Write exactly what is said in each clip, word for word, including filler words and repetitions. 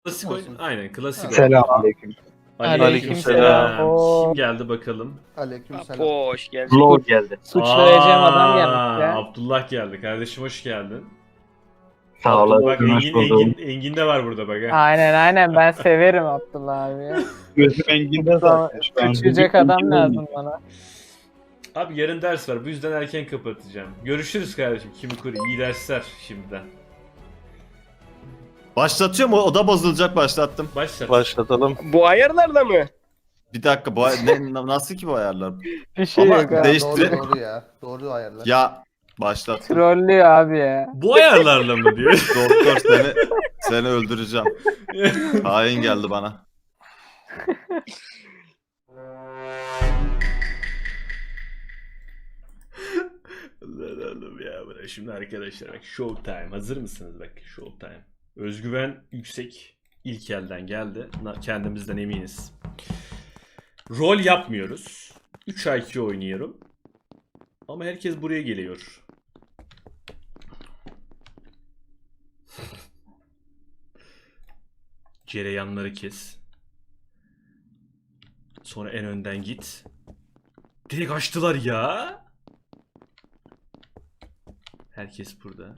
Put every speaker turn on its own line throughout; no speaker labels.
Klasik oyun.
Olsun.
Aynen klasik oyun.
Selamünaleyküm.
Aleykümselam.
Aleykümselam.
Kim geldi bakalım?
Aleykümselam.
Apo hoş geldin.
Vlog geldi.
Suçlayacağım adam
Aa,
gelmiş ya.
Abdullah geldi. Kardeşim hoş geldin.
Sağ
Abdullah,
olasın.
bak
Hoş
Engin,
buldum.
Engin, Engin de var burada bak. ha.
Aynen aynen ben severim Abdullah abi ya.
Gözüm Engin'de zaten. Şu an
Küçücek
gözüm
adam
Engin'de
lazım
olmuyor.
bana.
Abi yarın ders var. Bu yüzden erken kapatacağım. Görüşürüz kardeşim. Kimi kuru. İyi dersler şimdiden.
Başlatıyorum, o oda bozulacak, başlattım.
Başlat.
Başlatalım.
Bu ayarlarla mı?
Bir dakika, bu ay- ne, nasıl ki bu ayarlar?
Bir şey
Ama
yok abi.
değiş-
Doğru doğru ya. Doğru ayarlar.
Ya başlattım.
Trollüyor abi ya.
Bu ayarlarla mı diyor?
Doktor seni seni öldüreceğim. Hain geldi bana.
Allah Allah ya. Bırak. Şimdi arkadaşlar bak Showtime. Hazır mısınız bak Showtime. Özgüven yüksek. İlk elden geldi. Na- Kendimizden eminiz. Rol yapmıyoruz. üç I Q oynuyorum. Ama herkes buraya geliyor. Cereyanları kes. Sonra en önden git. Direkt açtılar ya. Herkes burada.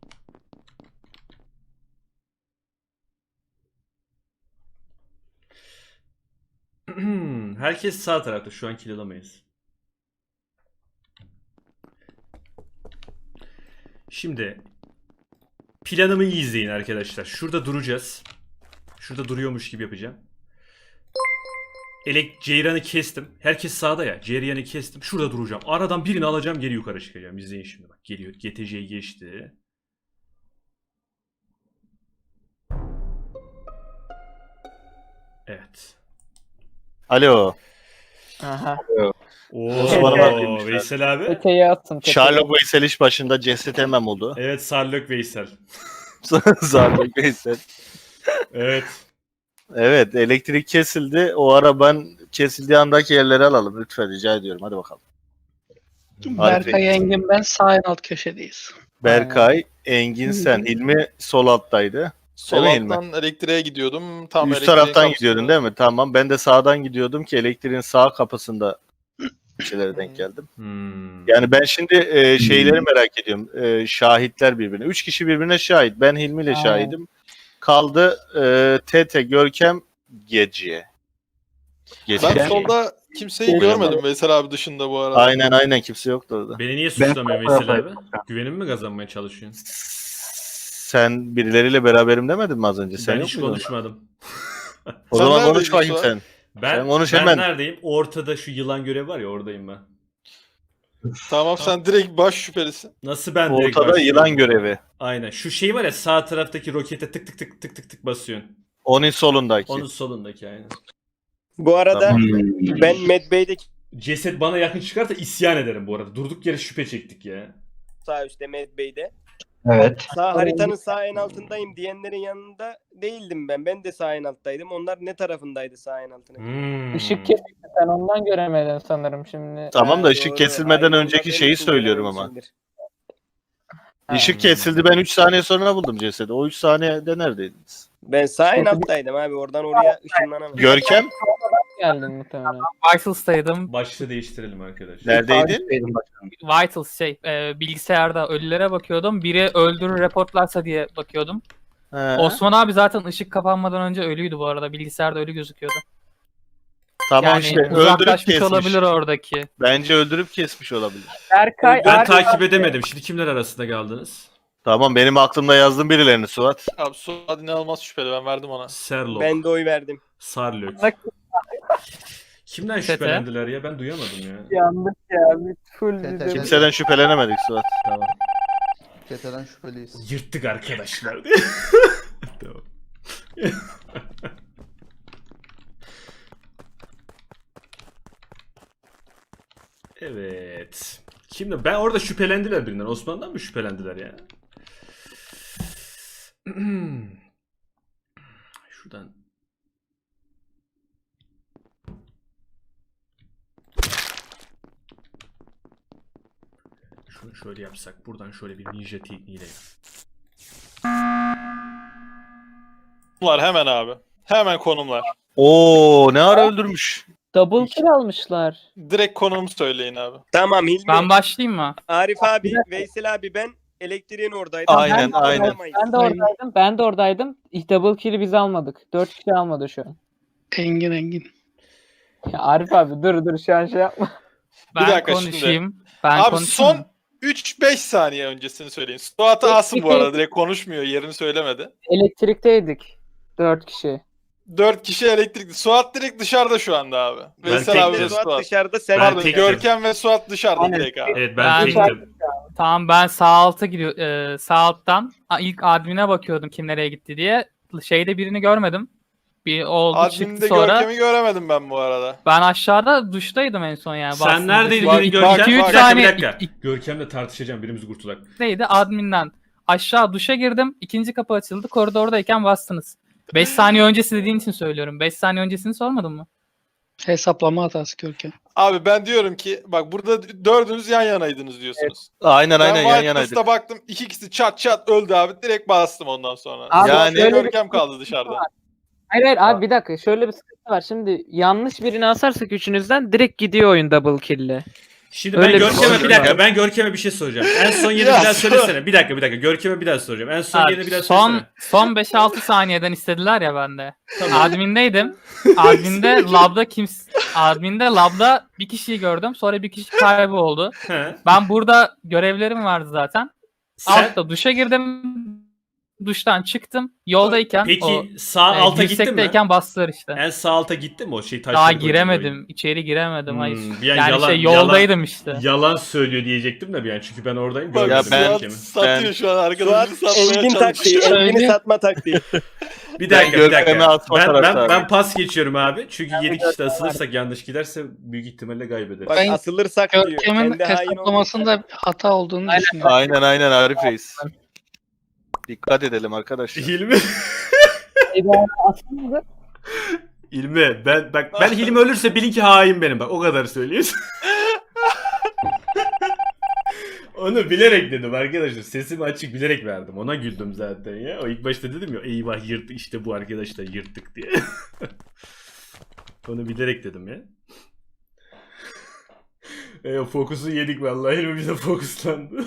Herkes sağ tarafta. Şu an kill alamayız. Şimdi planımı iyi izleyin arkadaşlar. Şurada duracağız. Şurada duruyormuş gibi yapacağım. Elek Ceyran'ı kestim. Herkes sağda ya. Ceyran'ı kestim. Şurada duracağım. Aradan birini alacağım, geri yukarı çıkacağım. İzleyin şimdi bak. Geliyor. G T C'yi geçti. Evet.
Alo.
Aha.
Osman'ı verdiğim
Veysel abi.
Öteyi attın. tepeye.
Sherlock Veysel iş başında ceset hemen oldu.
Evet, Sarlök Veysel.
Sherlock Veysel.
Evet.
Evet, elektrik kesildi. O ara ben kesildiği andaki yerleri alalım lütfen, rica ediyorum. Hadi bakalım.
Berkay Engin ben sağ en alt köşedeyiz.
Berkay, Engin, sen. Hilmi sol alttaydı.
Sol
Değil mi
alttan elektriğe gidiyordum. Tam
Üst
elektriğin
taraftan
kapısında-
gidiyordun değil mi? Tamam. Ben de sağdan gidiyordum ki elektriğin sağ kapısında bir şeylere denk geldim.
Hmm.
Yani ben şimdi e, şeyleri merak ediyorum. E, şahitler birbirine. Üç kişi birbirine şahit. Ben Hilmi ile
Aynen.
şahidim. Kaldı e, Tete, Görkem, Gece. Gece.
Ben solda kimseyi görmedim Veysel abi dışında bu arada.
Aynen aynen kimse yoktu orada.
Beni niye suçlamıyor
Ben-
Veysel abi? Güvenimi mi kazanmaya çalışıyorsun?
Sen birileriyle beraberim demedin mi az önce? Sen
Ben
yok
hiç
muydun?
konuşmadım.
O
Sen
zaman
neredeydin
konuş bakayım
Suat?
sen.
Ben,
Sen konuş
ben
hemen.
neredeyim? Ortada şu yılan görevi var ya, oradayım ben.
Tamam sen direkt baş şüphelisin.
Nasıl ben direkt
Ortada
başlıyorum?
yılan görevi.
Aynen. Şu şey var ya, sağ taraftaki rokete tık tık tık tık tık tık basıyorsun.
Onun solundaki.
Onun solundaki aynen.
Bu arada
Tamam.
ben Medbay'deki
Ceset bana yakın çıkarsa isyan ederim bu arada. Durduk yere şüphe çektik ya.
sağ üstte Medbay'de.
Evet.
Sağ haritanın sağ en altındayım diyenlerin yanında değildim ben. Ben de sağ en alttaydım. Onlar ne tarafındaydı sağ en altına?
Hmm.
Işık kesildi, sen ondan göremedin sanırım şimdi.
Tamam da
Ha,
ışık
doğru.
kesilmeden
Aynen,
önceki
onlar
şeyi
benim
söylüyorum ama.
için
Ha.
Işık kesildi, ben üç saniye sonra buldum cesedi. O üç saniyede neredeydiniz?
Ben sağ en alttaydım abi. Oradan oraya ışınlanamadım.
Görkem
Geldin muhtemelen.
Vitals'taydım.
Başlığı değiştirelim arkadaşlar.
neredeydin?
Vitals şey, e, bilgisayarda ölülere bakıyordum. Biri öldürür reportlarsa diye bakıyordum.
He.
Osman abi zaten ışık kapanmadan önce ölüydü bu arada. Bilgisayarda ölü gözüküyordu.
Tamam
yani
işte öldürüp
uzaklaşmış
kesmiş.
olabilir oradaki.
Bence öldürüp kesmiş olabilir.
Berkay,
Ben
Berkay-
takip edemedim. Şimdi kimler arasında kaldınız?
Tamam benim aklımda yazdım birilerini Suat.
Abi Suat inanılmaz şüpheli, ben verdim ona.
Serlok,
Ben de oy verdim.
Sarlök.
Bak-
Kimden
Tete.
şüphelendiler ya? Ben duyamadım ya.
Yandık ya. Bir full
Tete-
bize.
Kimseden şüphelenemedik Suat.
Tamam.
Keteden şüpheliyiz.
Yırttık arkadaşlar. Tamam. Evet. Şimdi ben orada şüphelendiler birinden. Osman'dan mı şüphelendiler ya? Şuradan. Şunu şöyle yapsak. Buradan şöyle bir ninja tekniğiyle.
Konumlar hemen abi. Hemen konumlar.
Oo ne ara öldürmüş.
Double kill almışlar.
Direkt konumu söyleyin abi.
Tamam Hilmi,
Ben başlayayım mı?
Arif abi, Veysel abi, ben elektriğin oradaydım.
Aynen,
Ben de
aynen.
alamayız.
Ben de oradaydım. Ben de oradaydım. İlk double kill'i biz almadık. Dört kişi almadı şu an.
Engin Engin.
Ya Arif abi dur dur şu an şey yapma.
Ben
dakika şimdi.
konuşayım. Ben
Abi
konuşayım
son
mı?
üç beş saniye öncesini söyleyin. Suat'ı alsın bu arada. Direkt konuşmuyor. Yerini söylemedi.
Elektrikteydik. Dört kişi.
Dört kişi elektrikli. Suat direkt dışarıda şu anda abi.
Ben
Veysel abi
tektim.
ve
Suat
Suat.
dışarıda, sen
Ben
Pardon
tektim.
Görkem ve Suat dışarıda
Aynen.
direkt abi.
Evet ben,
Ben-
tektim.
Tamam ben sağ alta gidiyor e, sağ alttan a- ilk admin'e bakıyordum kim nereye gitti diye. Şeyde birini görmedim. Bir oldu
Admin'de
çıktı sonra.
Görkem'i göremedim ben bu arada.
Ben aşağıda duştaydım en son yani.
Sen
Bastım
neredeydin
duşa.
Bak,
Görkem?
bak,
Bir
iki üç
dakika bir
saniye-
dakika.
ik- ik-
Görkem'le tartışacağım birimizi kurtulak.
Neydi admin'den. Aşağı duşa girdim. İkinci kapı açıldı. Koridordayken bastınız. beş saniye öncesi dediğin için söylüyorum. beş saniye öncesini sormadın mı?
Hesaplama hatası Görkem.
Abi ben diyorum ki bak burada dördünüz yan yanaydınız diyorsunuz.
Aynen aynen
ben
yan
White
yanaydık.
Lotus'ta baktım iki ikisi çat çat öldü abi. Direkt bastım ondan sonra.
Abi
Yani
şöyle bir-
Görkem kaldı dışarıda.
Hayır hayır abi bir dakika şöyle bir sıkıntı var. Şimdi yanlış birini asarsak üçünüzden direkt gidiyor oyun double kill'le.
Şimdi
Öyle
ben
bir
Görkem'e
şey
bir dakika
var.
ben Görkem'e bir şey soracağım. En son yeri
Ya
bir daha
sor.
söylesene. Bir dakika bir dakika Görkem'e bir daha soracağım. En son
Abi,
yerini bir daha
son
söylesene.
son beş altı saniyeden istediler ya bende. Admin'deydim. Admin'de labda kim admin'de labda bir kişiyi gördüm. Sonra bir kişi kayboldu.
He.
Ben burada görevlerim vardı zaten.
Sen
Altta duşa girdim. Duştan çıktım. Yoldayken
peki
o
sağ
e,
alta gittin mi?
dirsekteyken bastılar işte.
En sağ alta gittin mi o şey taşları
Daha
koyduğun
giremedim. İçeri giremedim.
Hmm,
Hayır.
bir an
yani
yalan-
şey yoldaydım işte.
oyun? Yalan söylüyor diyecektim de bir an çünkü ben oradayım
Bak
görmedim
ben-
Suat
Görkem'i.
satıyor
ben-
şu an
Suat
arkadaşını satmaya
Engin taktiği,
çalışıyor.
Engin'i
Söyle.
satma taktiği.
Bir
Ben
dakika bir
Görkem'e
dakika.
atma
Ben, ben,
taraftarıyım.
ben pas geçiyorum abi. Çünkü yedi kişi de asılırsak yanlış giderse büyük ihtimalle kaybederiz.
Bak
Ben
asılırsak diyor.
Görkem'in
Kendi hain olmasın.
hesaplamasında hata olduğunu düşünüyorum.
Aynen aynen Arif Reis. Dikkat edelim arkadaşlar.
Hilmi
Aslında
Hilmi ben bak ben Hilmi ölürse bilin ki hain benim bak o kadar söyleyeyim. Onu bilerek dedim arkadaşlar. Sesimi açık bilerek verdim. Ona güldüm zaten ya. O ilk başta dedim ya eyvah yırttık işte bu arkadaşlar yırttık diye. Onu bilerek dedim ya. E, fokusu yedik vallahi. Hilmi bize fokuslandı.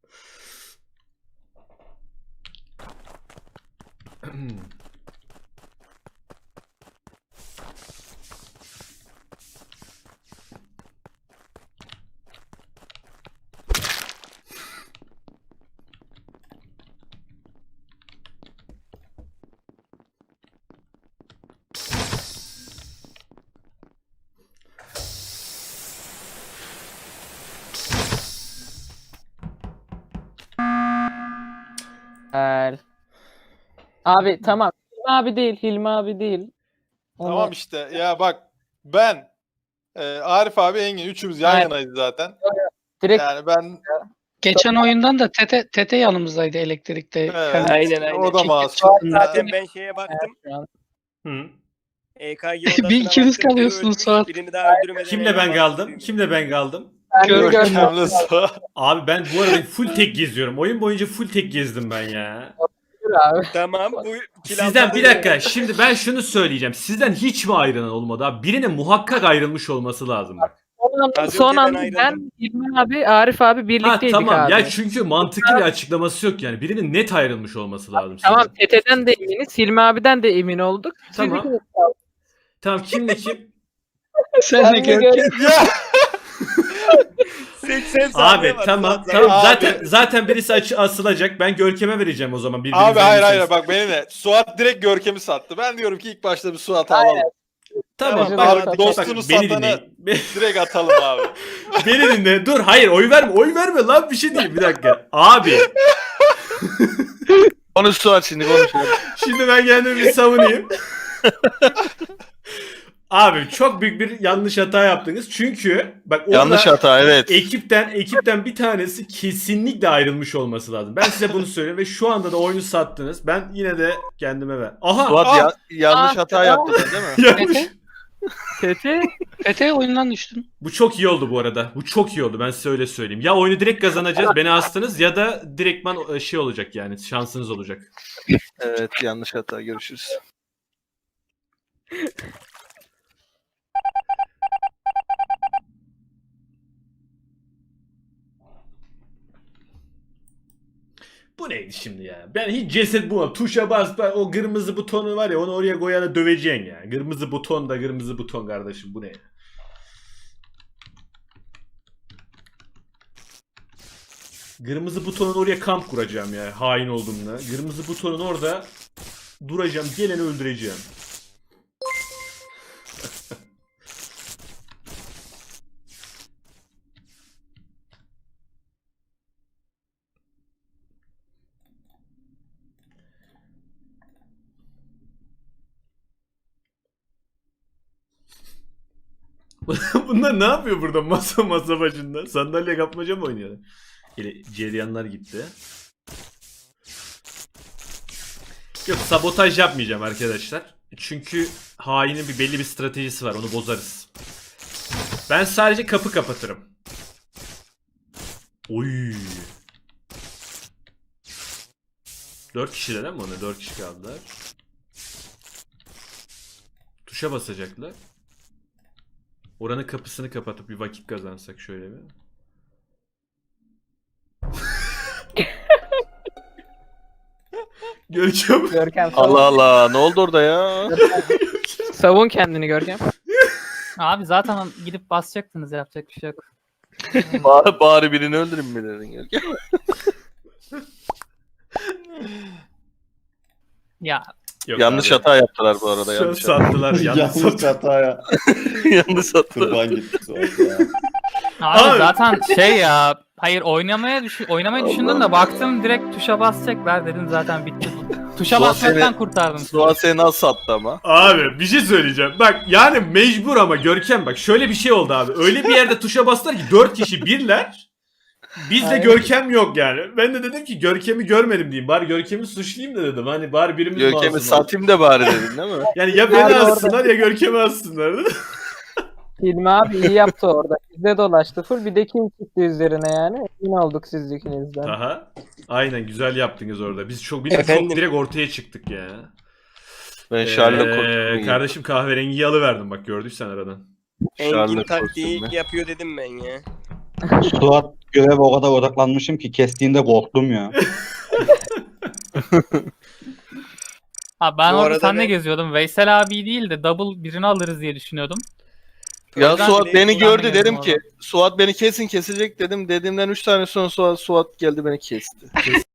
Güzel. Abi tamam. Hilmi abi değil. Hilmi abi değil. Onu-
Tamam işte ya bak ben e, Arif abi Engin üçümüz yan
Aynen.
yanaydı zaten.
Direkt
Yani ben
Geçen oyundan da Tete, Tete yanımızdaydı elektrikte.
evet,
Yani
Aynen, aynen.
o da masum.
Zaten ben şeye baktım.
şu an.
Hı.
E K G odasına
Bir ikiniz
baktım, biri
kalıyorsunuz
ölmüş,
Suat.
Birini daha öldürmeden.
Kimle ben kaldım? Kimle ben kaldım?
Ben de
Görkem.
gördüm.
Görkem'le Suat.
Abi ben bu arada full tek geziyorum. Oyun boyunca full tek gezdim ben ya.
Abi.
Tamam bu kill
Sizden
almadı.
bir dakika. Şimdi ben şunu söyleyeceğim. Sizden hiç mi ayrılan olmadı abi? Birinin muhakkak ayrılmış olması lazım bak.
Son anda,
Az
son
önce ben
anda
ayrıldım.
ben, Hilmi abi, Arif abi
Ha
birlikteydik
tamam.
abi.
Ya çünkü mantıklı bir açıklaması yok yani. Birinin net ayrılmış olması lazım.
Tamam
sizden.
Tete'den de eminiz. Hilmi abiden de emin olduk. Siz
Tamam.
ikiniz-
Tamam kimle kim?
Sen de
Ben de
Görkem.
gördüm.
Ya
seksen saniye
Abi
var,
tamam
Suat,
tamam
Abi.
zaten zaten birisi açı asılacak. Ben Görkem'e vereceğim o zaman. birbirinize
abi hayır hayır
verirseniz.
bak beni ne? Suat direkt Görkem'i sattı. Ben diyorum ki ilk başta bir Suat'ı alalım.
Tamam
Tamam,
bak,
abi,
bak,
dostunu
beni
satanı-
dinleyin.
Direkt atalım abi.
Beni dinle. Dur hayır oy verme. Oy verme lan bir şey değil. Bir dakika. Abi
Konuş Suat şimdi konuş.
şimdi ben kendimi bir savunayım. Abi çok büyük bir yanlış hata yaptınız. Çünkü bak orada
Yanlış hata evet.
ekipten ekipten bir tanesi kesinlikle ayrılmış olması lazım. Ben size bunu söyleyeyim ve şu anda da oyunu sattınız. Ben yine de kendime ver. Aha!
Suat
Aa!
ya- yanlış
Aa,
hata
aa.
yaptın değil mi?
yanlış.
T T
T T oyundan düştün.
Bu çok iyi oldu bu arada. Bu çok iyi oldu. Ben size öyle söyleyeyim. Ya oyunu direkt kazanacağız. Beni astınız ya da direktman şey olacak yani. Şansınız olacak.
Evet yanlış hata görüşürüz.
Bu neydi şimdi ya? Ben hiç ceset bulmadım. Tuşa bas, bas o kırmızı butonu var ya onu oraya koyana döveceksin ya. Kırmızı buton da kırmızı buton kardeşim bu ne ya? Kırmızı butonun oraya kamp kuracağım ya hain olduğumda. Kırmızı butonun orada duracağım, geleni öldüreceğim. Bunlar ne yapıyor burada masa masa başında? Sandalye kapmaca mı oynuyorlar? Hele ceryanlar gitti. Yok sabotaj yapmayacağım arkadaşlar. Çünkü hainin bir belli bir stratejisi var. Onu bozarız. Ben sadece kapı kapatırım. Oy. Dört kişiler ama ona dört kişi kaldılar. Tuşa basacaklar. Oranın kapısını kapatıp bir vakit kazansak şöyle bir. Görkem.
Görkem savun.
Allah Allah ne oldu orada ya?
Savun kendini Görkem.
Abi zaten gidip basacaktınız, yapacak bir şey yok.
bari, bari birini öldürün mi dedin Görkem?
Ya
Yok
Yanlış
abi.
hata yaptılar bu arada.
Şu an
Yanlış hata.
sattılar. Yanlış
Yanlış
sattılar.
hataya.
yanlış hatırladım.
Kurban gitti Suat ya.
abi,
Abi.
zaten şey ya, hayır oynamaya düşün oynamayı düşündüm de baktım direkt tuşa basacaklar dedim zaten bitti. Tuşa
Suat
basmaktan
seni-
kurtardım.
Suat seni nasıl sattı ama?
Abi bir şey söyleyeceğim. Bak yani mecbur ama Görkem bak şöyle bir şey oldu abi. Öyle bir yerde tuşa bastılar ki dört kişi birler. Bizde
Aynen.
Görkem yok yani. Ben de dedim ki Görkem'i görmedim diyeyim. Bari Görkem'i suçlayayım da dedim. Hani bari birimiz
Görkem'i
masum olsun.
satayım da bari dedin değil mi?
Yani ya beni
Abi orada-
assınlar ya Görkem'i assınlar.
Hilmi abi iyi yaptı orada. Bizde dolaştı full. Bir de kim çıktı üzerine yani. Emin olduk siz ikinizden.
Aha. Aynen güzel yaptınız orada. Biz çok biz çok
Efendim?
direkt ortaya çıktık ya.
Ben Charles'la
Ee,
konuştum.
kardeşim kahverengiyi alıverdim bak gördüysen aradan.
Engin
Charlotte
taktiği
kostümü.
yapıyor dedim ben ya.
Suat göreve o kadar odaklanmışım ki kestiğinde korktum ya.
Ha, ben
Bu
orada
arada
seninle
ben-
geziyordum. Veysel abi değil de double birini alırız diye düşünüyordum.
Ya
Oradan
Suat
bile-
beni
oradan
gördü
bile
dedim
geldim
ki Suat beni kesin kesecek dedim. Dediğimden üç tane sonra Suat, Suat geldi beni kesti.